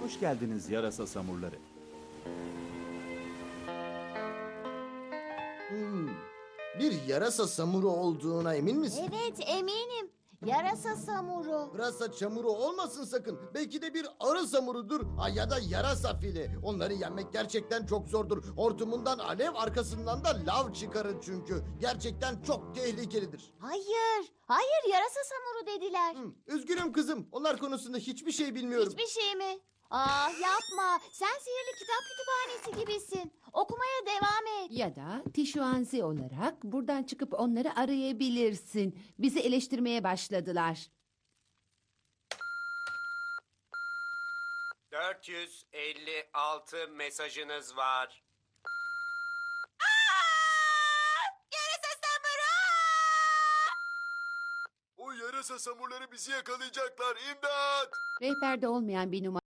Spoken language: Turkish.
Hoş geldiniz yarasa samurları. Hmm, Bir yarasa samuru olduğuna emin misin? Evet, eminim. Yarasa samuru. Pırasa çamuru olmasın sakın. Belki de bir arı samurudur. Ya da yarasa fili. Onları yenmek gerçekten çok zordur. Hortumundan alev, arkasından da lav çıkarır çünkü. Gerçekten çok tehlikelidir. Hayır, yarasa samuru dediler. Üzgünüm kızım. Onlar konusunda hiçbir şey bilmiyorum. Hiçbir şey mi? Ah yapma, sen sihirli kitap kütüphanesi gibisin. Okumaya devam et. Ya da Tişuanzi olarak buradan çıkıp onları arayabilirsin. Bizi eleştirmeye başladılar. 456 mesajınız var. O yarasa samurları bizi yakalayacaklar. İmdat! Rehberde olmayan bir numara